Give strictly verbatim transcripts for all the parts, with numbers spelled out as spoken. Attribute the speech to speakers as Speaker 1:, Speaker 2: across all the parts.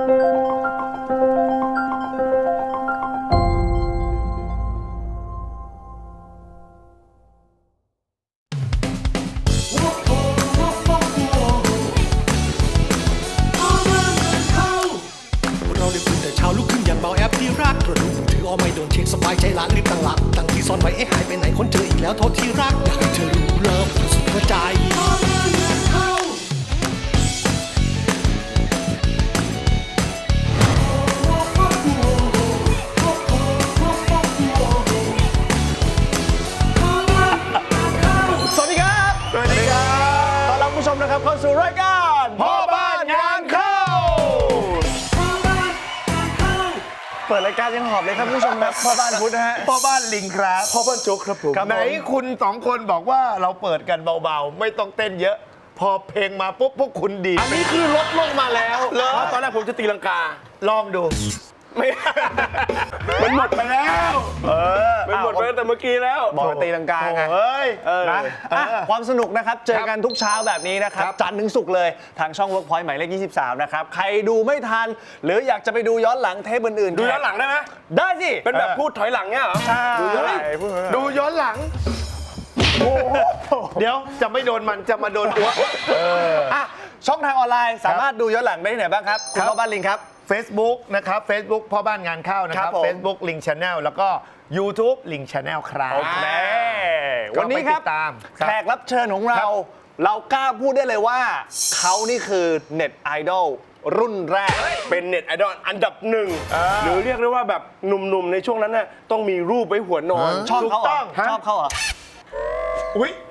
Speaker 1: ไม่โดนเช็คสบายใจละรีบตั้งหลักตั้งที่ซ่อนไว้เอ๊ะหายไปไหนคนเจออีกแล้วโทษที่รักอยากให้เธอรู้เลิฟสุดหัวใจ
Speaker 2: สวัสดีครับสวัสดีครับต้อนรับผู้ชมนะครับเข้าสู่รายการพ่อบ้านงานเข้าเปิดรายการยังหอบเลยครับผู้ชมครับพ่อบ้านพุทธนะฮะ
Speaker 3: พ่อบ้านลิงครับ
Speaker 2: พ่อบ้านโจ๊กครับผม
Speaker 3: ไหนคุณสองคนบอกว่าเราเปิดกันเบาๆไม่ต้องเต้นเยอะพอเพลงมาปุ๊บพวกคุณดี
Speaker 2: อันนี้คือลดลงมาแล้ว
Speaker 3: เพราะ
Speaker 2: ตอนแรกผมจะตีลังกา
Speaker 3: ลองดู
Speaker 2: ไม่มันหมดไปแล้วเออมันหมดไปแต่เมื่อกี้แล้วบอกตีลังกาไง
Speaker 3: เฮ้ย
Speaker 2: นะความสนุกนะครับเจอกันทุกเช้าแบบนี้นะครับจันทร์ถึงศุกร์เลยทางช่อง Workpoint หมายเลขยี่สิบสามนะครับใครดูไม่ทันหรืออยากจะไปดูย้อนหลังเทปอื่นๆดูย้อนหลังได้ไหมได้สิเป็นแบบพูดถอยหลังเนี่ยเหรอใช่ดูย้อนหลัง
Speaker 3: ดูย้อนหลังเดี๋ยวจะไม่โดนมันจะมาโดนตัว
Speaker 2: ช่องทางออนไลน์สามารถดูย้อนหลังได้ที่ไหนบ้างครับคุณพ่อบ้านลิงครับ
Speaker 3: Facebook นะครับ Facebook พ่อบ้านงานเข้านะครับ Facebook Link Channel แล้วก็ YouTube Link Channel ครับ
Speaker 2: โอเควันนี้ครับแขกรับเชิญของเราเรากล้าพูดได้เลยว่าเขานี่คือเน็ตไอดอลรุ่นแรกเป็นเน็ตไอดอลอันดับหนึ่งหรือเรียกได้ว่าแบบหนุ่มๆในช่วงนั้นน่ะต้องมีรูปไว้หัวนอนชอบเขาเหรอชอบเขาเหรอ
Speaker 3: อุ้ย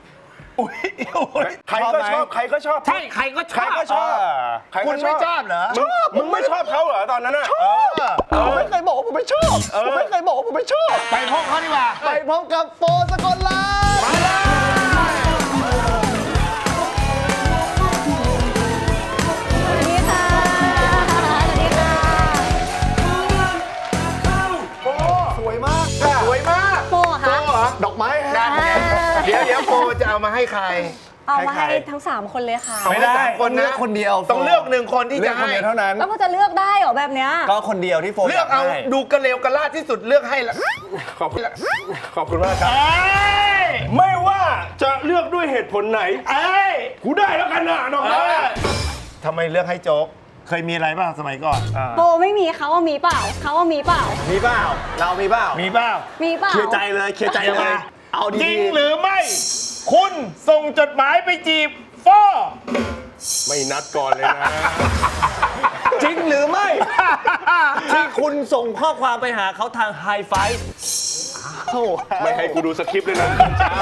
Speaker 2: ใครก็ชอบใครก็ชอบ
Speaker 3: ใช่ใครก็ชอบใครก็ชอบคุณไม่ชอบเหรอ
Speaker 2: ชอบมึงไม่ชอบเขาเหรอตอนนั้นน่ะชอบผมไม่เคยบอกว่าผมไม่ชอบผมไม่เคยบอกว่าผมไม่ชอบ
Speaker 3: ไปพบเขาดีกว่า
Speaker 2: ไปพบกับโฟสกลลา
Speaker 3: มาเลย
Speaker 4: สวัสดีค่ะสวัสดีค่ะ
Speaker 2: โฟสวยมาก
Speaker 3: สวยมาก
Speaker 4: โฟค่ะ
Speaker 2: ดอกไม้ฮะ
Speaker 3: เดี๋ยวเดี๋ยวโฟจะเอามาให้ใคร
Speaker 4: เอามาให้ทั้งสามคนเลยค่ะ
Speaker 3: ไม่ได้คนนะ
Speaker 2: คนเดียว
Speaker 3: ต้องเลือกหนึ่งคนที่จะให้
Speaker 2: เท่านั้น
Speaker 4: แล้วก็จะเลือกได้เหรอแบบเนี้ย
Speaker 2: ก็คนเดียวที่โฟ
Speaker 3: เลือกเอาดูกระเลวกระลาดที่สุดเลือกให้ละ
Speaker 2: ขอบคุณขอบคุณมากครับไม่ว่าจะเลือกด้วยเหตุผลไหนเอ้ยกูได้แล้วกันนะน้อง
Speaker 3: ทำไมเลือกให้โจ๊กเคยมีอะไรบ้างสมัยก่อน
Speaker 4: โปไม่มีเขาว่ามีเปล่าเขาว่ามีเปล่า
Speaker 2: มีเปล่าเรามีเปล่า
Speaker 3: มีเปล่า
Speaker 4: มีเปล่า
Speaker 2: เคลียร์ใจเลยเคลียร์ใจเลย
Speaker 3: เอาจริงหรือไม่คุณส่งจดหมายไปจีบฟอ
Speaker 2: ไม่นัดก่อนเลยนะจริงหรือไม่ที่คุณส่งข้อความไปหาเขาทางไฮไฟว์ไม่ให้กูดูสคริปต์เลยนะ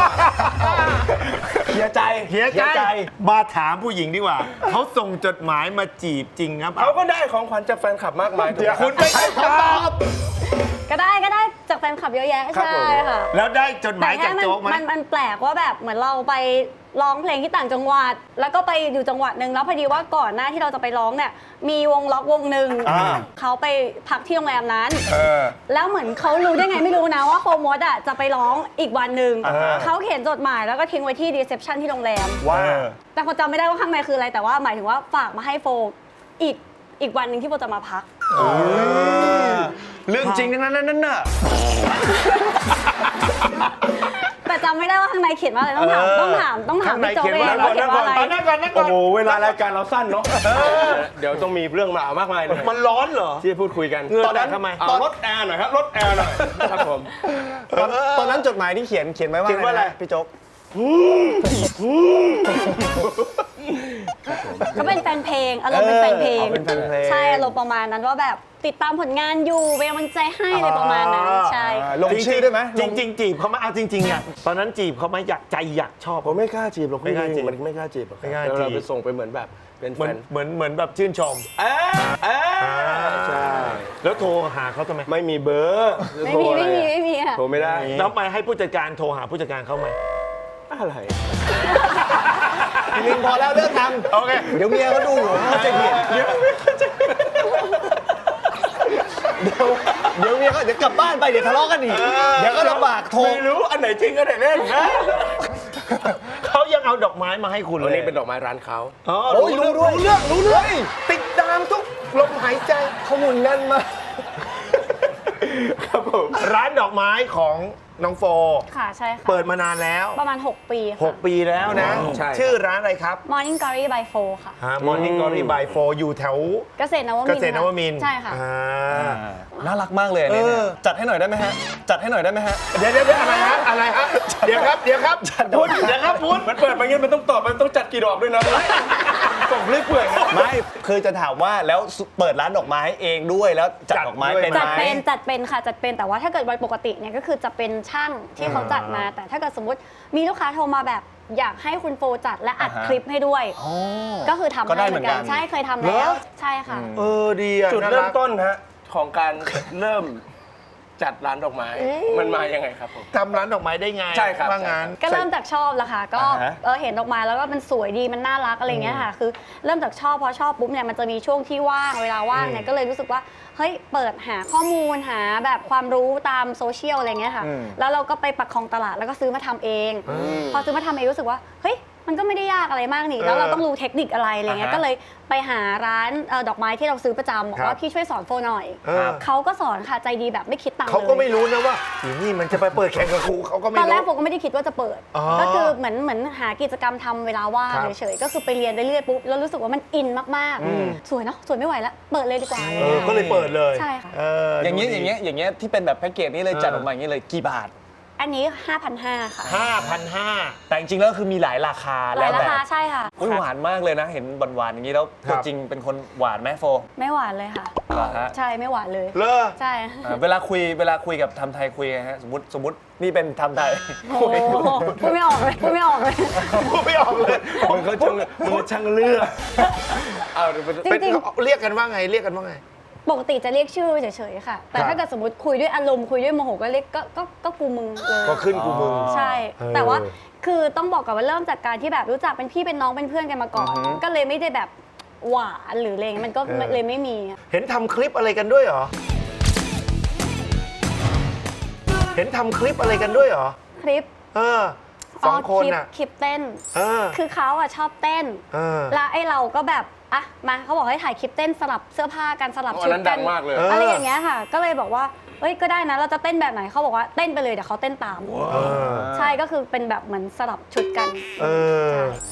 Speaker 2: เคลียร์ใจ
Speaker 3: เคลียร์ใจมาถามผู้หญิงดีกว่าเขาส่งจดหมายมาจีบจริงครับ
Speaker 2: เขาก็ได้ของขวัญจากแฟนคลับมากมาย
Speaker 3: เดี๋ยวคุณไม่ให้ตอบ
Speaker 4: ก็ได้ก็ได้จากแฟนคลับเยอะแยะใช่ค่ะ
Speaker 3: แล้วได้จดหมายจากโจ๊กไหม
Speaker 4: มันมันแปลกว่าแบบเหมือนเราไปร้องเพลงที่ต่างจังหวัดแล้วก็ไปอยู่จังหวัดหนึ่งแล้วพอดีว่าก่อนหน้าที่เราจะไปร้องเนี่ยมีวงล็อกวงหนึ่งเขาไปพักที่โรงแรมนั้นแล้วเหมือนเขารู้ได้ไงไม่รู้นะว่าโฟมดอ่ะจะไปร้องอีกวันหนึ่งเขาเขียนจดหมายแล้วก็ทิ้งไว้ที่รีเซพชันที่โรงแรม
Speaker 2: ว่า
Speaker 4: แต่คนจำไม่ได้ว่าข้างในคืออะไรแต่ว่าหมายถึงว่าฝากมาให้โฟอีกอีกวันหนึ่งที่โฟจะมาพัก
Speaker 2: เรื่องจริงทั้งนั้นนั่นน่ะ
Speaker 4: แต่จำไม่ได้ว่าข้างในเขียนว่าอะไรต้องถามต้องถามต้องถามพี่โจเองว่าเขียนว่าอะไร
Speaker 3: นั่งก่อนนั่งก่อน
Speaker 2: โอ้โหเวลารายการเราสั้นเนาะเดี๋ยวต้องมีเรื่องมามากมายเลย
Speaker 3: มันร้อนเหรอ
Speaker 2: ที่พูดคุยกัน
Speaker 3: ตอนนั้นทำไม
Speaker 2: ตอนลดแอร์หน่อยครับลดแอร์หน่อยครับผมตอนนั้นจดหมายที่เขียนเขียนไว้ว่าอะไรพี่โจ๊ก
Speaker 4: ก็เป็นแฟนเพลงอารมณ์เป็นแฟนเพลงใช่อารมณ์ประมาณนั้นว่าแบบติดตามผลงานอยู่เป็นกำลังใจให้อะไรประมาณนั้นใช่
Speaker 2: ลงชื่อได้ไหม
Speaker 3: จริงๆจีบเขาไหมเอาจริงๆอ่ะตอนนั้นจีบเขาไหมอยากใจอยากชอบ
Speaker 2: ผมไม่กล้าจีบหรอกไม่กล้าจีบมันไม่กล้าจีบหรอก
Speaker 3: ไม่กล้าจีบ
Speaker 2: เราไปส่งไปเหมือนแบบเป็นแฟน
Speaker 3: เหมือนเหมือนแบบชื่นชม
Speaker 2: เออเออใช่
Speaker 3: แล้วโทรหาเขาทำไม
Speaker 2: ไม่มีเบอร์
Speaker 4: ไม่มีไม่มีไม่มี
Speaker 2: อ่ะโทรไม่ได้
Speaker 3: แล้วไปให้ผู้จัดการโทรหาผู้จัดการเขาไหม
Speaker 2: อะไรลิงพอแล้วเลิกทำ
Speaker 3: โอเค
Speaker 2: เดี๋ยวเมียเขาดูอยู่เขาจะเห็นเดี๋ยวเดี๋ยวเมียเขาเดี๋ยวกลับบ้านไปเดี๋ยวทะเลาะกันอีกเดี๋ยวก็ลำบากโทร
Speaker 3: ไม่รู้อันไหนจริงอันไหนเล่นเขายังเอาดอกไม้มาให้คุณเลย
Speaker 2: นี่เป็นดอกไม้ร้านเขา
Speaker 3: อ๋อรู้ด้วยรู้เรื่องรู้เรื่องติดตามทุกลมหายใจ
Speaker 2: ข้อมูลแน่นมาก
Speaker 3: ครับผมร้านดอกไม้ของน้องโฟ
Speaker 4: ค่ะใช่ค่ะ
Speaker 3: เปิดมานานแล้ว
Speaker 4: ประมาณ หก ปีค่ะ
Speaker 3: หก ปีแล้วนะ
Speaker 2: ใช่
Speaker 3: ชื่อร้านอะไรครับ
Speaker 4: Morning Glory by Four ค่ะ
Speaker 3: มอร์นิ่งกอรี่บายโฟอยู่แถว
Speaker 4: เกษตรนวมินทร์
Speaker 3: เกษตรนวมินทร์
Speaker 4: ใช่ค่ะ
Speaker 3: อ่า
Speaker 2: น่ารักมากเลยอันนี้เนี่ย
Speaker 3: เออ
Speaker 2: จัดให้หน่อยได้ไหมฮะ จัดให้หน่อยได้ไหมฮะ
Speaker 3: เดี๋ยวเดี๋ยวเดี๋ยวอะไรฮะอะไรฮะเดี๋ยวครับเดี๋ยวครับพุทธเดี๋ยวครับพุทธ
Speaker 2: มันเปิดมาเงี้ยมันต้องตอบมันต้องจัดกี่ดอกด้วยนะส่งเรื่อยเปื่อยไม่คือจะถามว่าแล้วเปิดร้านดอกไม้เองด้วยแล้วจัดดอกไม้เป็นไหม
Speaker 4: จัดเป็นจัดเป็นค่ะจัดเป็นแต่ว่าถ้าเกิดวันปกติเนี่ยก็คือจะเป็นช่างที่เขาจัดมา แต่ถ้าเกิดสมมติมีลูกค้าโทรมาแบบอยากให้คุณโฟจัดและอัด
Speaker 2: อ่าฮะ
Speaker 4: คลิปให้ด้วย ก็คือทำ
Speaker 2: ก็ได้
Speaker 4: ให้เหมือนกัน
Speaker 2: เหมือนกัน
Speaker 4: ใช่เคยทำแล้วใช่ค่ะ
Speaker 3: เออดีอะ
Speaker 5: จุด
Speaker 3: น่า
Speaker 5: เริ่
Speaker 3: รั
Speaker 5: ม
Speaker 3: ก
Speaker 5: ต้นฮะของการเริ่มจัดร้านดอกไม้ มันมายังไงครับผม
Speaker 3: ทำร้านดอกไม้ได้ไง
Speaker 5: ใช่ครับ
Speaker 3: ว่างั้น
Speaker 4: ก็เริ่มจากชอบละค่ะ ก็
Speaker 2: อ่าฮะ
Speaker 4: เออเห็นดอกไม้แล้วก็มันสวยดีมันน่ารักอะไรเงี้ยค่ะ คือเริ่มจากชอบพอชอบปุ๊บเนี่ยมันจะมีช่วงที่ว่างเวลาว่างเนี่ยก็เลยรู้สึกว่าเฮ้ยเปิดหาข้อมูลหาแบบความรู้ตามโซเชียลอะไรเงี้ยค่ะ แล้วเราก็ไปปักคลองตลาดแล้วก็ซื้อมาทำเอง พอซื้อมาทำเองรู้สึกว่าเฮ้ยมันก็ไม่ได้ยากอะไรมากนี่แล้วเราต้องรู้เทคนิคอะไรอะไรเงี้ยก็เลยไปหาร้านเอ่อดอกไม้ที่เราซื้อประจำบอกว่าพี่ช่วยสอนโฟหน่อย
Speaker 3: เออ
Speaker 4: เขาก็สอนค่ะใจดีแบบไม่คิดตังค์เลย
Speaker 3: เขาก็ไม่รู้นะว่าอีนี่มันจะไปเปิดแข่งกับครูเขาก็ไม่
Speaker 4: ตอนแร
Speaker 3: รู้
Speaker 4: กโฟก็ไม่ได้คิดว่าจะเปิด
Speaker 3: อ๋อ
Speaker 4: ก็คือเหมือนเหมือนหากิจกรรมทำเวลาว่าง
Speaker 3: ครับ
Speaker 4: เฉยๆ ก็คือไปเรียนไปเรื่อยปุ๊บ แล้วรู้สึกว่ามันอินมากๆ สวยเนาะ สวยไม่ไหวแล้ว เปิดเลยดีกว่าอะไร
Speaker 3: เออ
Speaker 4: เงี้ย
Speaker 3: ก็เลยเปิดเลย
Speaker 4: ใช่ค่ะ
Speaker 3: เออ
Speaker 2: อย่างเงี้ย
Speaker 3: ดู
Speaker 2: อ
Speaker 3: ดี
Speaker 2: ย่างเงี้ยอย่างเงี้ยที่เป็นแบบแพ็กเกจนี้เลยจัดออกมาอย่างเงี้ยเลยกี่บาท
Speaker 4: อันนี้ ห้าพันห้าร้อย ค่ะ
Speaker 3: ห้าพันห้า
Speaker 2: แต่จริงๆแล้วคือมีหลายราคา
Speaker 4: ห
Speaker 2: แล้
Speaker 4: ลายว รา
Speaker 2: แต่
Speaker 4: คาใช่ค่ะ
Speaker 2: อุ๊ยหวานมากเลยนะ เห็นหวานๆอย่างนี้แล้ว
Speaker 3: ครั
Speaker 2: ตัว
Speaker 3: บ
Speaker 2: จริงเป็นคนหวานไหมโฟ
Speaker 4: ไม่หวานเลยค่ะ
Speaker 2: เหรอฮะ
Speaker 4: ใช่ ไม่หวานเลย
Speaker 3: เลอ
Speaker 4: ใช่
Speaker 2: อ่าเวลาคุยเวลาคุยกับทำไทยคุยไงฮะสมมติสมมตินี่เป็นทำไทย
Speaker 4: โอ้โหพูดไม่ออกเลย พูดไม่ออกเลย
Speaker 3: พูดไม่ออกเลย
Speaker 2: มึงเขาช่างมึงเขาช่างเลือกเอาเดี๋ยวไป
Speaker 4: จ
Speaker 3: เป็น
Speaker 4: ริง
Speaker 3: เรียกกันว่าไงเรียกกันว่าไง
Speaker 4: ๆ ปกติจะเรียกชื่อเฉยๆ ค่ะ แต่
Speaker 3: ครับ
Speaker 4: ถ้าเกิดสมมติคุยด้วยอารมณ์คุยด้วยโมโหก็เรียกก็ก็ก็กูมึงเลย
Speaker 3: ก็ขึ้นกูมึง
Speaker 4: ใช่
Speaker 3: เออ
Speaker 4: แต่ว่าคือต้องบอกก่อนว่าเริ่มจากการที่แบบรู้จักเป็นพี่เป็นน้องเป็นเพื่อนกันมาก่อน ก็เลยไม่ได้แบบหวานหรืออะไรเงี้ยมันก็เลยไม่มี
Speaker 3: เห็นทำคลิปอะไรกันด้วยเหรอ เห็นทำคลิปอะไรกันด้วยเหรอ
Speaker 4: คลิป
Speaker 3: เออสองคน
Speaker 4: ลิป
Speaker 3: น่ะ
Speaker 4: คลิปเต้น
Speaker 3: เออ
Speaker 4: คือเขาอะชอบเต้น
Speaker 3: เออ
Speaker 4: แล้วไอ้เราก็แบบอ่ะมาเขาบอกให้ถ่ายคลิปเต้นสลับเสื้อผ้ากันสลับ
Speaker 5: อั
Speaker 4: ชุ
Speaker 5: น
Speaker 4: ด
Speaker 5: นั้น
Speaker 4: กั
Speaker 5: ดังมากเลย
Speaker 3: เออ
Speaker 4: อะไรอย่างเงี้ยค่ะ ก็เลยบอกว่าเอ้ยก็ได้นะเราจะเต้นแบบไหนเขาบอกว่าเต้นไปเลยเดี๋ยวเขาเต้นตาม
Speaker 3: เออ
Speaker 4: ใช่ก็คือเป็นแบบเหมือนสลับชุดกัน
Speaker 3: เออ
Speaker 4: ใช่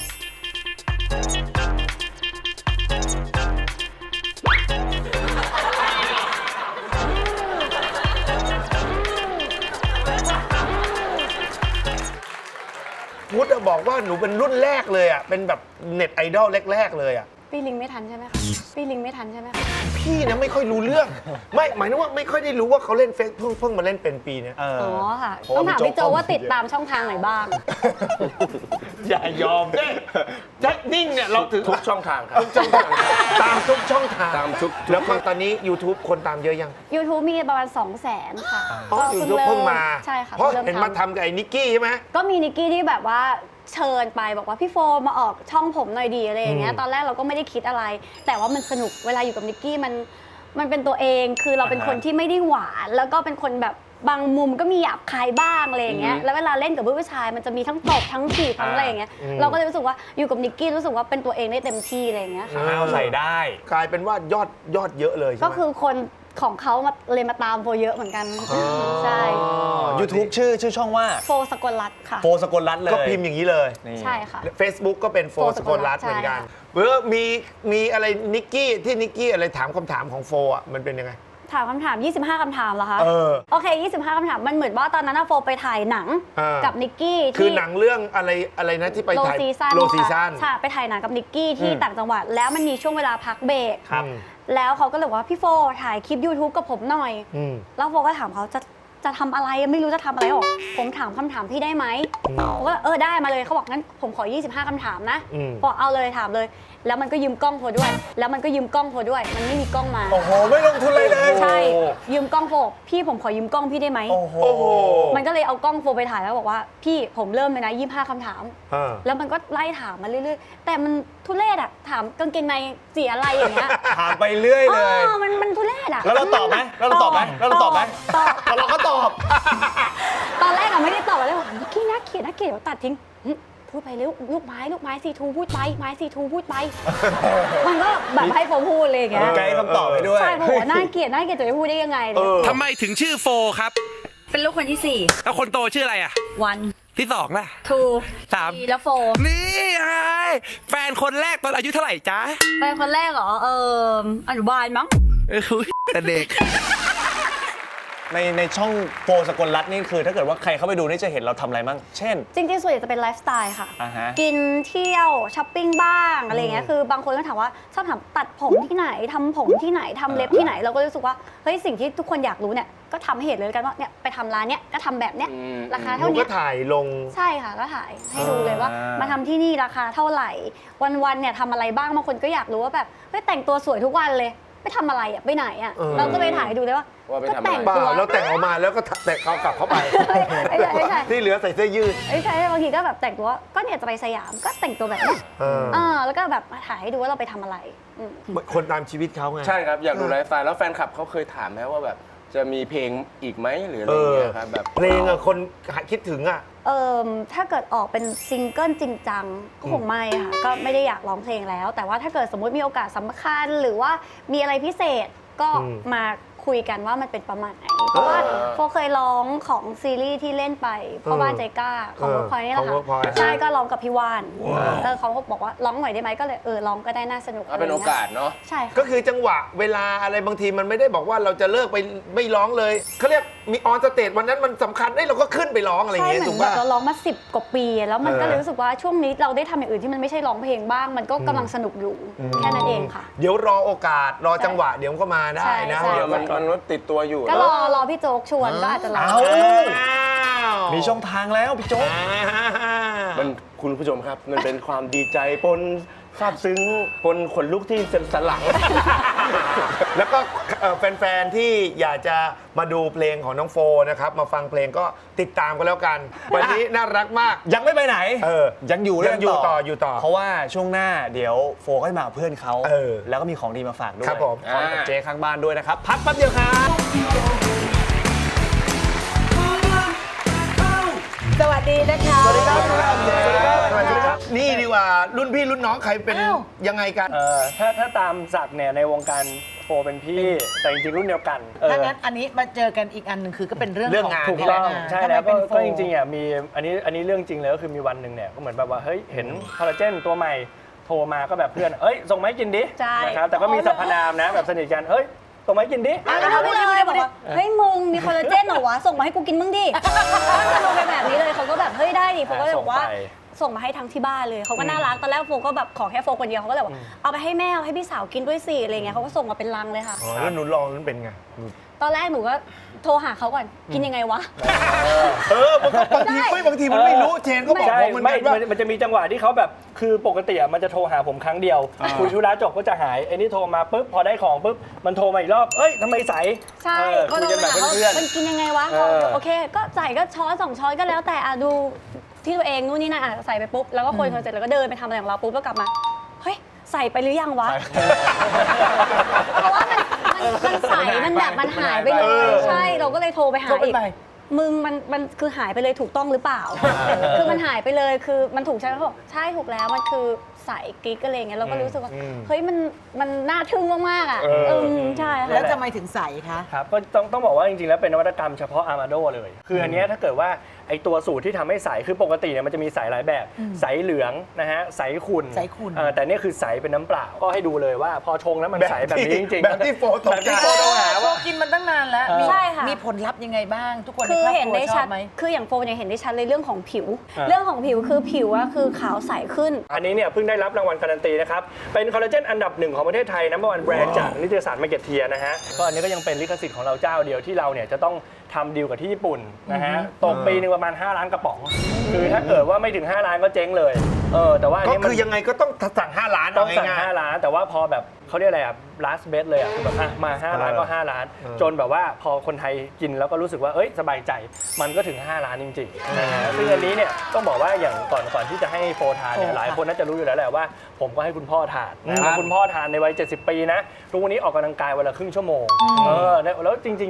Speaker 3: พุทธอะบอกว่าหนูเป็นรุ่นแรกเลยอ่ะ เป็นแบบเน็ตไอดอลแรก ๆ เลยอ่ะ
Speaker 4: พี่ลิงไม่ทันใช่ไหมคะพี่ลิงไม่ทันใช่ไหมคะ
Speaker 3: พี่นะไม่ค่อยรู้เรื่อง ไม่หมายถึงว่าไม่ค่อยได้รู้ว่าเขาเล่นเฟซเพิ่งเพิ่งมาเล่นเป็นปีเนี้ย
Speaker 2: เออ
Speaker 4: อ๋อค่ะ
Speaker 3: โอ้
Speaker 4: ต้องถาม
Speaker 3: พี่
Speaker 4: พี่
Speaker 3: โจ๊
Speaker 4: โจ
Speaker 3: ก
Speaker 4: ว่าติดตามช่องทางไหนบ้าง
Speaker 3: อย่ายอมเนี่ยจะนิ่งเนี่ยเราถือ
Speaker 5: ทุกช่องทางครับ
Speaker 3: ช่องทางตามทุกช่องทาง
Speaker 5: ตามทุก
Speaker 3: แล้วก็ตอนนี้ YouTube คนตามเยอะยัง
Speaker 4: YouTube มีประมาณ สองแสน ค่ะ
Speaker 3: เพราะ YouTube เพิ่งมา
Speaker 4: ใช่ค่ะ
Speaker 3: เพราะ
Speaker 4: พิ่ง
Speaker 3: เห็นมาทำกับไอ้นิกกี้ใช่ไหม
Speaker 4: ก็มีนิกกี้ที่แบบว่าเชิญไปบอกว่าพี่โฟมาออกช่องผมหน่อยดีอะไรอย่างเงี้ย
Speaker 3: อืม
Speaker 4: ตอนแรกเราก็ไม่ได้คิดอะไร แต่ว่ามันสนุกเวลาอยู่กับนิกกี้มันมันเป็นตัวเองคือเราเป็นคนที่ไม่ได้หวานแล้วก็เป็นคนแบบบางมุมก็มีหยาบคายบ้างอะไรอย่างเงี้ยแล้วเวลาเล่นกับผู้ชายมันจะมีทั้งตบทั้งถีบทั้งอะไรอย่างเงี้ยเราก็เลยรู้สึกว่าอยู่กับนิกกี้รู้สึกว่าเป็นตัวเองได้เต็มที่อะไรอย่างเงี้ยค่ะ
Speaker 2: เอาใส่ได้
Speaker 3: กลายเป็นว่ายอดยอดเยอะเลยใช่ไหม
Speaker 4: ก็คือคนของเขามาเลยมาตามโฟเยอะเหมือนกันใช่
Speaker 2: YouTube ชื่อชื่อช่องว่า
Speaker 4: โฟสกลรัตน์ค่ะ
Speaker 2: โฟสกลรัตน์เลย
Speaker 3: ก็พิมพ์อย่างนี้เลย
Speaker 2: นี่
Speaker 4: ใช่ค่ะ
Speaker 3: Facebook ก็เป็นโฟ
Speaker 4: โฟ
Speaker 3: สกลรัตน์
Speaker 4: ใช่
Speaker 3: เหมือนกัน
Speaker 4: ค่ะ
Speaker 3: เออมีมีอะไรนิกกี้ที่นิกกี้อะไรถามคำถามของโฟอ่ะมันเป็นยังไง
Speaker 4: ถามคำถาม ยี่สิบห้า คำถามเหรอคะ
Speaker 3: เออ
Speaker 4: โอเค ยี่สิบห้า คำถาม มันเหมือนว่าตอนนั้นนะโฟไปถ่ายหนัง
Speaker 3: เออ
Speaker 4: กับนิกกี้
Speaker 3: คือ
Speaker 4: ที่
Speaker 3: หนังเรื่องอะไรอะไรนะที่ไป
Speaker 4: โล
Speaker 3: ถ่าย
Speaker 4: ซีซัน
Speaker 3: โลซีซัน
Speaker 4: ใช่ไปถ่ายหนังกับนิกกี้ที่ต่างจังหวัด แล้วมันมีช่วงเวลาพักเบรก
Speaker 3: ครับ
Speaker 4: แล้วเขาก็เลยบอกว่าพี่โฟถ่ายคลิป YouTube กับผมหน่อย
Speaker 3: อืม
Speaker 4: แล้วโฟก็ถามเขาจะจะทำอะไรไม่รู้จะทำอะไรหรอกผมถามคำถามพี่ได้ไหมผมก็เออได้มาเลยเขาบอกงั้นผมขอ ยี่สิบห้า คำถามนะ
Speaker 3: อืม
Speaker 4: บอกเอาเลยถามเลย แล้วมันก็ยืมกล้องโฟด้วย แล้วมันก็ยืมกล้องโฟด้วย มันไม่มีกล้องมา
Speaker 2: โอ้โห ไม่ลงทุนเลยเลย
Speaker 4: ใช่ยืมกล้องโฟพี่ผมขอยืมกล้องพี่ได้ไหม
Speaker 2: โอ้โห
Speaker 3: โอ้โห
Speaker 4: มันก็เลยเอากล้องโฟไปถ่ายแล้วบอกว่าพี่ผมเริ่มเลยนะยี่สิบห้า คำถาม
Speaker 3: เออ
Speaker 4: แล้วมันก็ไล่ถามมาเรื่อยๆ แต่มันทุเรศอะถามกางเกงในสีอะไรอย่างเงี้ย
Speaker 2: ถามไปเรื่อยเลย
Speaker 4: อ๋อมันมันทุเรศอะ
Speaker 2: แล้วเราตอบไหมแล้วเราตอบไหมแล้วเราตอบไหม
Speaker 4: ตอบ
Speaker 2: แล้วเราก็ตอบ
Speaker 4: ตอนแรกอะไม่ได้ตอบอะไรบอกนิกกี้น่าเกลียดน่าเกลียดเดี๋ยวตัดทิ้งหึพูดไปลูกลูกไม้ลูกไม้ซีทูพูดไปไม้ซีทูพูดไป มันก็แบบให้โฟพูดเลยอย่างเงี้ย
Speaker 2: ไกด์คำตอบไปด้วย
Speaker 4: ใช่ผมว่าน่าเกลียดน่าเกลียดจะไปพูดได้ยังไงเลย
Speaker 6: ทำไมถึงชื่อโฟครับ
Speaker 7: เป็นลูกคนที่สี่
Speaker 6: แล้วคนโตชื่ออะไรอ่ะ
Speaker 7: วัน
Speaker 6: ที่สองล่ะ
Speaker 7: ทู
Speaker 6: สาม
Speaker 7: แล้วโฟ
Speaker 6: นี่ไงแฟนคนแรกตอนอายุเท่าไหร่จ๊ะ
Speaker 7: เป็นคนแรกเหรอ เอออนุบาลมั้ง
Speaker 6: เออแต่เด็ก
Speaker 2: ในในช่องโฟสกลรัตน์นี่คือถ้าเกิดว่าใครเข้าไปดูนี่จะเห็นเราทำอะไรบ้างเช่น
Speaker 4: จริงๆส่วนใหญ่จะเป็นไลฟ์สไตล์ค่ะ
Speaker 2: อ่าฮะ
Speaker 4: กินเที่ยวช้อปปิ้งบ้างอะไรเงี้ยคือบางคนก็ถามว่าชอบถามตัดผมที่ไหนทำผมที่ไหนทำเล็บที่ไหนเราก็รู้สึกว่าเฮ้ยสิ่งที่ทุกคนอยากรู้เนี่ยก็ทำให้เห็นเลยกันว่าเนี่ยไปทำร้านเนี้ยก็ทำแบบเนี้ยราคา
Speaker 3: ห
Speaker 4: เท่า
Speaker 3: นู
Speaker 4: นี้
Speaker 3: ก็ถ่ายลง
Speaker 4: ใช่ค่ะก็ถ่ายให้ดูเลยว่า
Speaker 2: อ่าม
Speaker 4: มาทำที่นี่ราคาเท่าไหร่ วันๆเนี่ยทำอะไรบ้างบางคนก็อยากรู้ว่าแบบเฮ้ยแต่งตัวสวยทุกวันเลยไปทำอะไรอ่ะไปไหนอ่ะ
Speaker 3: เออ
Speaker 4: เราก็เลยถ่ายให้ดูเลยว่า
Speaker 5: ว่าไป
Speaker 4: ก็
Speaker 5: ทำอะไร
Speaker 4: แต่ง
Speaker 3: เปล่า
Speaker 4: ตัว
Speaker 3: แล้วแต่งออกมาแล้วก็แต่งเขากลับเข้าไป
Speaker 4: ไม่ใช่ไม่ใช่
Speaker 3: ที่เหลือใส่เสื้อยืด
Speaker 4: ไม่ใช่บางทีก็แบบแต่งตัวก็เนี่ยจะไปสยามก็แต่งตัวแบบเนี้ย
Speaker 3: เออ
Speaker 4: อ่าแล้วก็แบบมาถ่ายให้ดูว่าเราไปทำอะไรอืม
Speaker 3: คนตามชีวิตเขาไง
Speaker 5: ใช่ครับ อยากดูไลฟ์สไตล์แล้วแฟนคลับเขาเคยถามไหมว่าแบบจะมีเพลงอีกไหมหรืออะไร
Speaker 3: เอ
Speaker 5: อย่าง
Speaker 3: อ
Speaker 5: เงี้ยครับแบบ
Speaker 3: เพลงอะคนคิดถึงอะ
Speaker 4: เอ่อถ้าเกิดออกเป็นซิงเกิลจริงจังก็คงไม่ค่ะก็ไม่ได้อยากร้องเพลงแล้ว แต่ว่าถ้าเกิดสมมุติมีโอกาสสำคัญหรือว่ามีอะไรพิเศษก็มาคุยกันว่ามันเป็นประมาณไหนเพราะว่าโฟเคยร้องของซีรีส์ที่เล่นไปพ่อบ้านใจกล้าของเวิร์คพอยนี่แหละ
Speaker 3: ของ Workpoint
Speaker 4: ค่ะใช่ก็ร้องกับพี่วานเออเขาก็บอกว่าร้องหน่อยได้ไหมก็เลยเออร้องก็ได้น่าสนุก
Speaker 5: เอาเป็นโอกาสเนาะ
Speaker 4: ใช่ค่ะ
Speaker 3: ก็คือจังหวะเวลาอะไรบางทีมันไม่ได้บอกว่าเราจะเลิกไปไม่ร้องเลยเขาเรียกมีออนสเตจวันนั้นมันสำคัญเอ้ยเราก็ขึ้นไปร้องอะไรอย่าง
Speaker 4: ใช่
Speaker 3: เงี้ย
Speaker 4: เหมื
Speaker 3: ถู
Speaker 4: อน
Speaker 3: ก
Speaker 4: แบบ
Speaker 3: ป่ะ
Speaker 4: เราร้องมาสิบกว่าปี แล้วมัน
Speaker 3: เออ
Speaker 4: ก็เลยรู้สึกว่าช่วงนี้เราได้ทำอย่างอื่นที่มันไม่ใช่ร้องเพลงบ้าง มันก็กำลังสนุกอยู่แค่นั้นเองค่ะ
Speaker 3: เดี๋ยวรอโอกาสรอจังหวะเดี๋ยวมันก็มาได้
Speaker 4: ใช่
Speaker 3: นะ
Speaker 4: ใช่
Speaker 5: เดี๋ยวมันมันติดตัวอยู่
Speaker 4: ก็รอรอพี่โจ๊กชวนก็อาจจะร้อง
Speaker 2: เอา
Speaker 3: อ้าว
Speaker 2: มีช่องทางแล้วพี่โจ๊ก
Speaker 3: อ่า
Speaker 5: มันคุณผู้ชมครับ มันเป็นความดีใจปนซาบซึ้งปนขนลุกที่สันหลัง
Speaker 3: แล้วก็เอ่อแฟนๆ ที่อยากจะมาดูเพลงของน้องโฟนะครับ มาฟังเพลงก็ติดตามกันแล้วกัน วันนี้น่ารักมาก
Speaker 2: ยังไม่ไปไหน
Speaker 3: เออ
Speaker 2: ยังอยู่
Speaker 3: ยังอยู่ต่ออยู่ต่อ
Speaker 2: เพราะว่าช่วงหน้าเดี๋ยวโฟก็จะมากับเพื่อนเขา
Speaker 3: เออ
Speaker 2: แล้วก็มีของดีมาฝากด้วย
Speaker 3: ครับผม
Speaker 2: พร้อมกับเจ๊ข้างบ้านด้วยนะครับ พักแป๊บเดียวครับ
Speaker 8: สวัสดีนะคะ
Speaker 3: สวัสดีครับสวัสดีครับ นี่ดีกว่ารุ่นพี่รุ่นน้องใครเป็นยังไงกัน
Speaker 9: เออถ้าถ้าตามศักดิ์เนี่ยในวงการโฟเป็นพี่ แต่จริงๆรุ่นเดียวกันเออ
Speaker 8: ถ้างั้นอันนี้มาเจอกันอีกอันหนึ่งคือก็เป็นเรื่อง
Speaker 3: เรื่อง
Speaker 8: ของ
Speaker 3: งาน
Speaker 9: ถูกต้อง
Speaker 8: นี่แหละ
Speaker 9: ใช่
Speaker 8: ทำไม
Speaker 9: แล้วก็
Speaker 8: เป็นโฟ
Speaker 9: ก็จริงๆอ่ะมีอันนี้อันนี้เรื่องจริงเลยก็คือมีวันหนึ่งเนี่ยก็เหมือนแบบว่าเฮ้ยเห็นคอลลาเจนตัวใหม่โทรมาก็แบบเพื่อนเอ้ยส่งมาให้กินดิ
Speaker 4: ใช่
Speaker 9: นะครับแต่ก็มีสรรพนามนะแบบสนิทกันเอ้ยส่งมาให้กินดิ
Speaker 4: อ่ะก็ทำไปเลยบอกว่าเฮ้ยมึงมีคอลลาเจนเหรอวะส่งมาให้กูกินมึงดิก็จะลงไปแบบนี้เลยเขาก็แบบเฮ้ยได้ดิโฟก็เลยบอกว่าส่งมาให้ทั้งที่บ้านเลยเขาก็น่ารักตอนแรกโฟก็แบบขอแค่โฟคนเดียวเขาก็เลยบอกเอาไปให้แม่เอาให้พี่สาวกินด้วยสิอะไรเงี้ยเขาก็ส่งมาเป็นลังเลยค่ะ
Speaker 3: อ๋อแล้วหนูลองนั้นเป็นไง
Speaker 4: ตอนแรกหนูก็โทรหาเขาก่อนกินยังไงวะ
Speaker 3: เออบางบางทีไม่บางทีมันไม่รู้เชนก็บอก
Speaker 9: ใช่
Speaker 3: ผมเหมือน
Speaker 9: ไม่
Speaker 3: กันว่า
Speaker 9: มันมันจะมีจังหวะที่เขาแบบคือปกติอ่ะมันจะโทรหาผมครั้งเดียวคุยธุระจบก็จะหายไอ้นี่โทรมาปุ๊บพอได้ของปุ๊บมันโทรมาอีกรอบเอ้ยทำไมใส
Speaker 4: ใช่
Speaker 9: เออ
Speaker 4: ก็
Speaker 9: คุย
Speaker 4: โท
Speaker 9: กัน
Speaker 4: ร
Speaker 9: แบบ
Speaker 4: หาเขา
Speaker 9: เพื่อน
Speaker 4: มันกินยังไงวะ
Speaker 9: เออ
Speaker 4: โอเค ก็ใส่ก็ช้อนสองช้อนก็แล้วแต่อ่ะดูที่ตัวเองนู่นนี่นั่นอ่ะใส่ไปปุ๊บแล้วก็คนคนเสร็จแล้วก็เดินไปทำอะไรของเราปุ๊บแล้วกลับมาเฮ้ยใส่ไปหรือยังวะ เพราะว่ามันมันมันใสมันแบบมันหายไปเล
Speaker 3: เอย อ
Speaker 4: ใช่เราก็เลยโทรไปหา
Speaker 8: โทรไป
Speaker 4: อีก
Speaker 8: ใหม่
Speaker 4: มึงมันมันคือหายไปเลยถูกต้องหรือเปล่า คือมันหายไปเลยคือมันถูกใช่ไหมเขาบอกใช่ถูกแล้วมันคือใส่กิ๊กอะไรอย่างเงี้ยเราก็รู้สึกว่าเฮ้ยมันมันน่าทึ่งมากๆอ่ะเออใช่ค่ะ
Speaker 8: แล้วทำไมถึงใสคะ
Speaker 9: ครับก็ต้องต้องบอกว่าจริงๆแล้วเป็นนวัตกรรมเฉพาะอาร์มาโดเลย คืออันเนี้ยถ้าเกิดว่าไอตัวสูตรที่ทำให้ใสคือปกติเนี่ยมันจะมีใสหลายแบบ ใสเหลืองนะฮะใสขุ่น
Speaker 8: ใสขุ่น
Speaker 9: เออแต่เนี่ยคือใสเป็นน้ำเปล่าก็ให้ดูเลยว่าพอชงแล้วมันใสแบบนี้จริงๆ
Speaker 3: แบบที่โฟตก
Speaker 9: แบบ
Speaker 3: ใจ
Speaker 9: ที่โฟโต้หา
Speaker 8: โฟ
Speaker 9: ว่า
Speaker 8: กินมันตั้งนานแล้ว
Speaker 9: เออ
Speaker 8: มี
Speaker 4: ใช่ค่ะ
Speaker 8: มีผลลัพธ์ยังไงบ้าง ทุกคนใน
Speaker 4: คือ
Speaker 8: ครอบ
Speaker 4: เห็น
Speaker 8: ครัว
Speaker 4: ได้
Speaker 8: ช
Speaker 4: ชั
Speaker 8: อ
Speaker 4: ด
Speaker 8: บไหม
Speaker 4: คืออย่างโฟนเนี่ยเห็นได้ชัดเลยเรื่องของผิว เรื่องของผิวคือผิวอะคือขาวใสขึ้น
Speaker 9: อันนี้เนี่ยเพิ่งได้รับรางวัลการันตีนะครับ เป็นคอลลาเจนอันดับหนึ่งของประเทศไทยนัมเบอร์วันแบรนด์จากนิตยสารมาร์เก็ตเทียนะฮะ ก็อันนี้ก็ยังเป็นลิขสิทธิ์ของเราเจ้าเดียวที่เราเนี่ยจะต้องทำดีลกับที่ญี่ปุ่นนะฮะตกปีหนึงประมาณห้าล้านกระป๋อง คือถ้าเกิดว่าไม่ถึงห้าล้านก็เจ๊งเลย เออแต่ว่าอัน
Speaker 3: ก็
Speaker 9: นี้มัน
Speaker 3: คือยังไงก็ต้องสั่งห้าล้าน
Speaker 9: ต้องสั่ง
Speaker 3: เาง่ายๆ
Speaker 9: ห้าล้าน แต่ว่าพอแบบเขาเรียกอะไรอ่ะ last bet เลยอ่ะคือแบบอ่ะมาห้าล้านก็ห้าล้าน จนแบบว่าพอคนไทยกินแล้วก็รู้สึกว่าเอ้ยสบายใจมันก็ถึงห้าล้านจริงๆนะฮะซึ่งอันนี้เนี่ยต้องบอกว่าอย่างก่อนก่อนที่จะให้โฟทานเนี่ยหลายคนน่าจะรู้อยู่แล้วแหละว่าผมก็ให้คุณพ่อทานนะแล้วคุณพ่อทานในวัยเจ็ดสิบปีนะทุกวันนี้ออกกำลังกายวันละครึ่งชั่วโมงเออแล้วจริงๆเนี่ย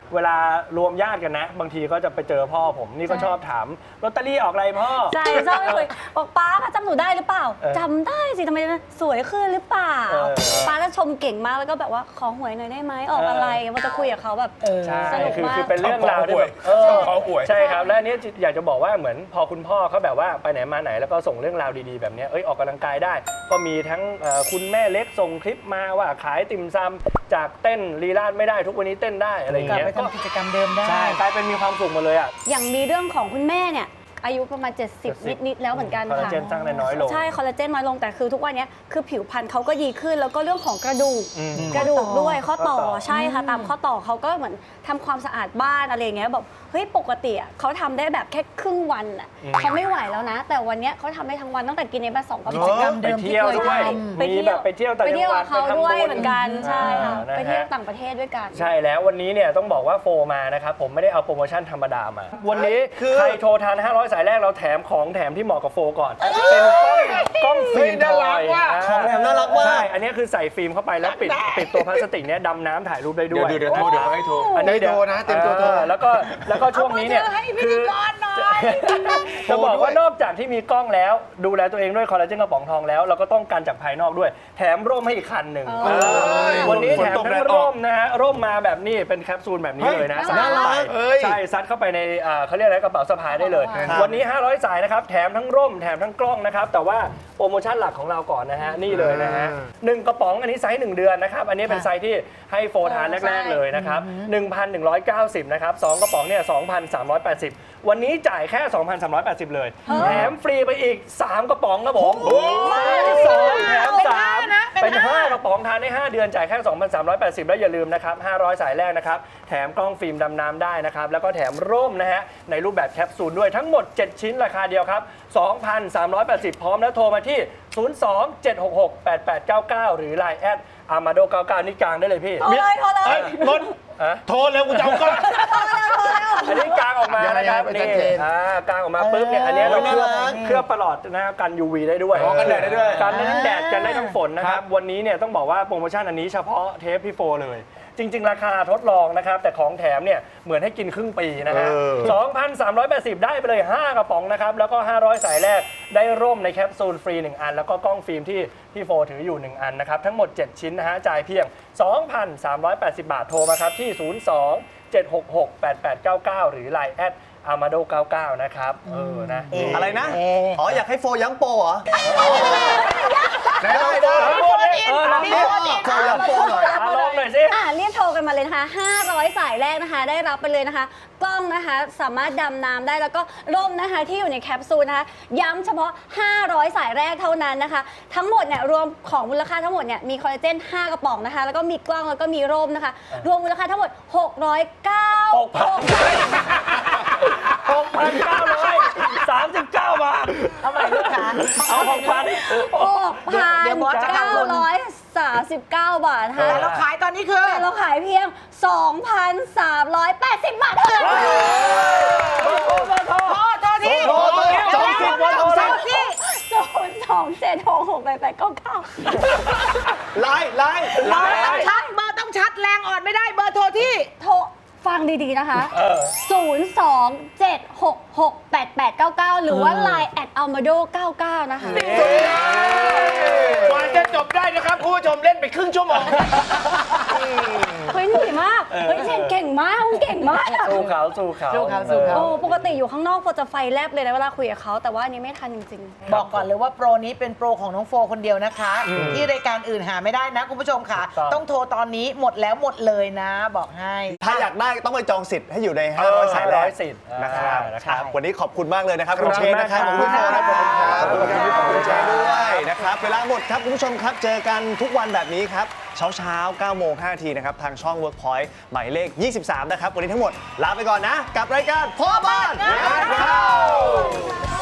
Speaker 9: เวลารวมญาติกันนะ บางทีก็จะไปเจอพ่อผมนี่ก็ชอบถามลอตเตอรี่ออกอะไรพ่อ
Speaker 4: ใช่ชอบไปคุยบอกป้าจำหนูได้หรือเปล่า
Speaker 9: เออ
Speaker 4: จำได้สิทำไมสวยขึ้นหรือเปล่า
Speaker 9: เออ
Speaker 4: ป้าจะชมเก่งมากแล้วก็แบบว่าขอหวยหน่อยได้ไหมออกอะไรมันจะคุยกับเขาแบบ
Speaker 9: ใช่
Speaker 4: สนุก
Speaker 9: คือ
Speaker 4: มาก
Speaker 9: คือเป็นเรื่องราวที่แบบเออใช่ครับและอันนี้อยากจะบอกว่าเหมือนพอคุณพ่อเขาแบบว่าไปไหนมาไหนแล้วก็ส่งเรื่องราวดีๆแบบเนี้ยเอ้ยออกกำลังกายได้ ก็มีทั้งเอ่อคุณแม่เล็กส่งคลิปมาว่าขายติ่มซำจากเต้นลีลาดไม่ได้ทุกวันนี้เต้นได้อะไรอย่าง
Speaker 8: กลับ
Speaker 9: เงี้ย
Speaker 8: ไปทำกิจกรรมเดิมได้
Speaker 9: ใช่กลายเป็นมีความสุขหมาเลยอ่ะ
Speaker 4: อย่างมีเรื่องของคุณแม่เนี่ยอายุประมาณ เจ็ดสิบ นิดๆแล้วเหมือนกัน
Speaker 9: คอลลา
Speaker 4: ค่ะ
Speaker 9: เจนสร้างได้น้อยลง
Speaker 4: ใช่คอลลาเจนน้อยลงแต่คือทุกวันนี้คือผิวพรรณเขาก็ดีขึ้น แล้วก็เรื่องของกระดูก
Speaker 9: อืม
Speaker 4: กระดูกด้วยข้อต่อ
Speaker 9: ข้อต่อ
Speaker 4: ใช่ค่ะตามข้อต่อเขาก็เหมือนทำความสะอาดบ้านอะไรอย่างเงี้ยแบบเฮ้ยปกติอะเขาทำได้แบบแค่ครึ่งวันอ่ะเขาไม่ไหวแล้วนะ แต่วันเนี้ยเขาทำได้ทั้งวันตั้งแต่กินในบ้านสองกระ
Speaker 8: กิ
Speaker 4: ป๋
Speaker 8: จ
Speaker 4: อง
Speaker 8: กรรม
Speaker 9: ไป
Speaker 8: เดิมที่
Speaker 9: เที่ยว
Speaker 8: เคย
Speaker 9: ด้วย
Speaker 8: ท
Speaker 9: มีแบบไปเที่ยวต่าง
Speaker 4: ไป
Speaker 9: จั
Speaker 4: เที่
Speaker 9: ง
Speaker 4: ยว
Speaker 9: หวั
Speaker 4: กั
Speaker 9: ด
Speaker 4: บเขาด้วย
Speaker 9: ไปทำบุญ
Speaker 4: เหมือนกันใช่ค่ะ
Speaker 9: อ่านะฮะ
Speaker 4: ไปเที่ยวต่างประเทศด้วยกัน
Speaker 9: ใช่แล้ววันนี้เนี่ยต้องบอกว่าโฟมานะครับผมไม่ได้เอาโปรโมชั่นธรรมดามา วันนี้ใครโทรทานห้าร้อยสายแรกเราแถมของแถมที่เหมาะกับโฟก่อน เป็นกล้องกล้องฟิล์ม
Speaker 3: เฮ้ยน่า
Speaker 9: ท
Speaker 3: รั
Speaker 9: อก ย
Speaker 3: ว่ะ
Speaker 9: อ่
Speaker 2: ของแถมน่ารักมาก
Speaker 9: ใช่อันนี้คือใส่ฟิล์มเข้าไปแล้วปิดปิดตัวพลาสติกเนี้ยดำน้ำถ่ายรูปได้ด้วย
Speaker 3: เดี๋ยวเดี๋ยวโทรเดี๋ยวให้โทร
Speaker 9: อันนี้เดี๋ยว
Speaker 3: ให้โทรนะเตรียมตัวโทร
Speaker 9: ออแล้วก็แล้วก็ช่วงนี้เนี่ย
Speaker 8: เอามือถือให้พิธีกรหน่อย
Speaker 9: จะบอกว่านอกจากที่มีกล้องแล้วดูแลตัวเองด้วยคอลลาเจนกระป๋องทองแล้วเราก็ต้องการจากภายนอกด้วย แถมร่มให้อีกคันหนึ่ง
Speaker 4: เออ
Speaker 9: วันนี้
Speaker 3: ฝน
Speaker 9: แถม
Speaker 3: ตกแด
Speaker 9: ทั้
Speaker 3: ด
Speaker 9: ง
Speaker 3: ออก
Speaker 9: ร่มนะฮะร่มมาแบบนี้เป็นแคปซูลแบบนี้เลยนะ
Speaker 4: เฮ้ย
Speaker 9: สามารถ
Speaker 4: น่ารัก
Speaker 9: ใส่
Speaker 3: เอ้ย
Speaker 9: ใช่ซัดเข้าไปในอ่าเขาเรียกอะไรกระเป๋าสะพายได้เลย
Speaker 4: ครับ
Speaker 9: วันนี้ห้าร้อยสายนะครับแถมทั้งร่มแถมทั้งกล้องนะครับแต่ว่าโปรโมชั่นหลักของเราก่อนนะฮะนี่เลยนะฮะหนึ่งกระป๋องอันนี้ไซส์หนึ่งเดือนนะครับอันนี้เป็นไซส์ที่ให้โฟทานแรกๆเลยนะครับหนึ่งพันหนึ่งร้อยเก้าสิบนะครับสองกระป๋องเนี่ยสองพันสามร้อยแปดสิบวันนี้จ่ายแค่ สองพันสามร้อยแปดสิบ เลยแถมฟรีไปอีกสามกระป๋องครับผมสองแถมสามเป็นห้ากระป๋องทานได้ห้าเดือนจ่ายแค่ สองพันสามร้อยแปดสิบ แล้วอย่าลืมนะครับห้าร้อยสายแรกนะครับแถมกล้องฟิล์มดำน้ำได้นะครับแล้วก็แถมร่มนะฮะในรูปแบบแคปซูลด้วยทั้งหมดเจ็ดชิ้นราคาเดียวครับ สองพันสามร้อยแปดสิบ พร้อมแล้วโทรมาที่ ศูนย์ สอง เจ็ด หก หก แปด แปด เก้า เก้า หรือ ไลน์ แอดอามาโดเก้าเก้านี่กลางได้เลยพี่
Speaker 4: โทรเลยโทรเลย
Speaker 3: เอ้ยนนท์
Speaker 9: ฮะ
Speaker 3: โทรเร็วกูจะเอากล้อง
Speaker 9: อันนี้กลางออกมานะครับ
Speaker 3: ยังไง
Speaker 9: นี่
Speaker 3: ให้มันชัดเจน
Speaker 9: อ่ากลางออกมาปุ๊บเนี่ยอันนี้เราเคลือบเคลือบประหลอดนะครับกัน ยู วี ได้ด้วย
Speaker 3: อ๋อกันแดดได้ด้วย
Speaker 9: กันได้ทั้งแดดกันได้ทั้งฝนนะครับวันนี้เนี่ยต้องบอกว่าโปรโมชั่นอันนี้เฉพาะเทปพี่โฟเลย จริง ๆ ราคาทดลองนะครับแต่ของแถมเนี่ยเหมือนให้กินครึ่งปีนะฮะ
Speaker 3: เออ
Speaker 9: สองพันสามร้อยแปดสิบ ได้ไปเลย ห้ากระป๋องนะครับแล้วก็ห้าร้อยสายแรกได้ร่มในแคปซูลฟรีหนึ่งอันแล้วก็กล้องฟิล์มที่พี่โฟถืออยู่หนึ่งอันนะครับทั้งหมดเจ็ดชิ้นนะฮะจ่ายเพียง สองพันสามร้อยแปดสิบ บาทโทรมาครับที่ ศูนย์ สอง เจ็ด หก หก แปด แปด เก้า เก้า หรือ ไลน์ แอดอามาโดเก้าเก้านะครับเออนะ
Speaker 2: อะไรนะ อ๋อ อยากให้โฟย้ำโปรเหรอ
Speaker 3: ได้ได้
Speaker 9: เออลองดิเออลองดิ
Speaker 2: โฟย้ำโปรหน่อย
Speaker 9: อ่ะลองหน่อยสิ
Speaker 4: อ่ะเรียกโทรกันมาเลยนะคะห้าร้อยสายแรกนะคะ ได้รับไปเลยนะคะ กล้องนะคะสามารถดำน้ำได้แล้วก็ร่มนะคะที่อยู่ในแคปซูลนะคะ ย้ำเฉพาะ ห้าร้อยสายแรกเท่านั้นนะคะ ทั้งหมดเนี่ยรวมของมูลค่าทั้งหมดเนี่ยมีคอลลาเจนห้ากระป๋องนะคะ แล้วก็มีกล้องแล้วก็มีร่มนะคะ รวมมูลค่าทั้งหมดหกร้อยเก้า
Speaker 9: หกพัน หกพันเก้าร้อยสามสิบเก้า บาท
Speaker 8: เอาใหม่ลูกค้า
Speaker 9: เอาหกพัน
Speaker 4: หกพัน
Speaker 8: เดี๋ยวบอสจะ
Speaker 4: เก้า
Speaker 8: ทำบุญ
Speaker 4: ร้อยสามสิบเก้าบาทค่ะ
Speaker 8: แต่เราขายตอนนี้คือ
Speaker 4: แต่เราขายเพียง สองพันสามร้อยแปดสิบ บาทเท่านั้น
Speaker 8: โทษโทษที่
Speaker 9: โทษโทษสองสิบวันโทรเลย
Speaker 8: ที่
Speaker 4: ศูนย์สองเจ็ดหกหกแปดแปดเก้าเก้า
Speaker 2: ไลน์ไลน์ไลน์
Speaker 8: ต้องชัดเบอร์ต้องชัดแรงอ่อนไม่ได้เบอร์โทรที่
Speaker 4: โทรฟังดี ๆ นะคะ ศูนย์ สอง เจ็ด หก หก แปด แปด เก้า เก้า หรือว่า ไลน์ แอด อัลมาโด เก้าเก้า นะคะ
Speaker 3: กว่าจะจบได้นะครับคุณผู้ชมเล่นไปครึ่งชั่วโมง
Speaker 4: เฮ้ยเหนื่อยมาก เฮ้ยเชนเก่งมากเก่งมาก
Speaker 9: สู้เขาสู้เขา
Speaker 8: สู้เขาสู้เขา
Speaker 4: โอ้ปกติอยู่ข้างนอกโฟจะไฟแลบเลยนะเวลาคุยกับเขาแต่ว่าอันนี้ไม่ทันจริง
Speaker 8: บอกก่อนเลยว่าโปรนี้เป็นโปรของน้องโฟคนเดียวนะคะ ที่รายการอื่นหาไม่ได้นะคุณผู้ชมค่ะ ต้องโทรตอนนี้หมดแล้วหมดเลยนะ บอกให้
Speaker 2: ถ้าอยากได้ต้องไปจองสิทธิ์ให้อยู่ใน ห้าร้อย สายแรก
Speaker 9: ห้าร้อยสิทธิ์
Speaker 2: นะครับ
Speaker 9: อ่านะครับ
Speaker 2: วันนี้ขอบคุณมากเลยนะครับ
Speaker 9: ขอบคุณ
Speaker 2: คุณเชนนะครับ
Speaker 9: มาก
Speaker 2: ขอบคุณพี่โฟนะขอบคุณครับ
Speaker 9: ขอบคุณครับ
Speaker 2: ขอบคุณเชนด้วยนะครับ เวลาหมดครับคุณผู้ชมครับ เจอกันทุกวันแบบนี้ครับ เช้าเช้าๆเก้าโมงห้านาทีนะครับ ทางช่อง Workpoint หมายเลข ยี่สิบสาม นะครับ วันนี้ทั้งหมดลาไปก่อนนะ กับรายการพ่อบ้านงานเข้า